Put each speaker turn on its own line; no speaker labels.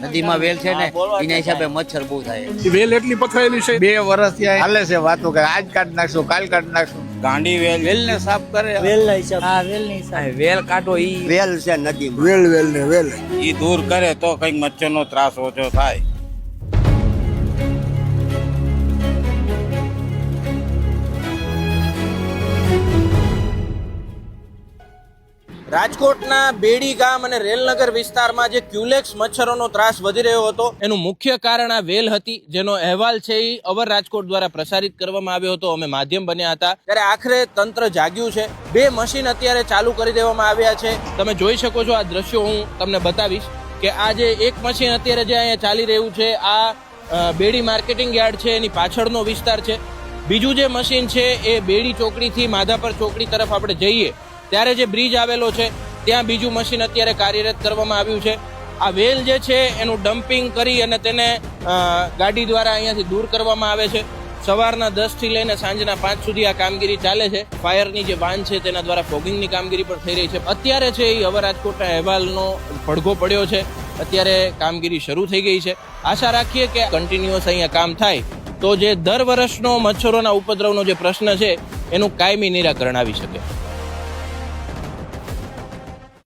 નદીમાં વેલ છે ને એના હિસાબે મચ્છર બહુ થાય.
વેલ એટલી પથરાયેલી છે.
2 વર્ષથી હાલે છે વાતો કે આજ કાઢ નાખશું કાલ કાઢ નાખશું.
ગાંડી વેલ
ને સાફ કરે
વેલ કાઢો ઈ
વેલ છે નદી વેલ
ઈ દૂર કરે તો કઈક મચ્છરનો ત્રાસ ઓછો થાય.
રાજકોટના બેડી ગામ અને રેલનગર વિસ્તારમાં જે ક્યુલેક્સ મચ્છરોનો ત્રાસ વધી રહ્યો હતો એનું મુખ્ય કારણ આ વેલ હતી, જેનો અહેવાલ છે એ અવર રાજકોટ દ્વારા પ્રસારિત કરવામાં આવ્યો હતો. અમે માધ્યમ બન્યા હતા ત્યારે આખરે તંત્ર જાગ્યું છે. 2 મશીન અત્યારે ચાલુ કરી દેવામાં આવ્યા છે. તમે જોઈ શકો છો આ દ્રશ્યો હું તમને બતાવીશ કે આ જે એક મશીન અત્યારે જે અહીંયા ચાલી રહ્યું છે આ બેડી માર્કેટિંગ યાર્ડ છે એની પાછળનો વિસ્તાર છે. બીજું જે મશીન છે એ બેડી ચોકડીથી માધાપર ચોકડી તરફ આપણે જઈએ ત્યારે જે બ્રિજ આવેલો છે ત્યાં બીજું મશીન અત્યારે કાર્યરત કરવામાં આવ્યું છે. આ વેલ જે છે એનું ડમ્પિંગ કરી અને તેને ગાડી દ્વારા અહીંયાથી દૂર કરવામાં આવે છે. સવારના 10 થી લઈને સાંજના 5 સુધી આ કામગીરી ચાલે છે. ફાયરની જે વાન છે તેના દ્વારા ફોગિંગની કામગીરી પણ થઈ રહી છે. અત્યારે છે એ અવર રાજકોટના અહેવાલનો પડઘો પડ્યો છે. અત્યારે કામગીરી શરૂ થઈ ગઈ છે. આશા રાખીએ કે કન્ટિન્યુઅસ અહીંયા કામ થાય તો જે દર વર્ષનો મચ્છરોના ઉપદ્રવનો જે પ્રશ્ન છે એનું કાયમી નિરાકરણ આવી શકે.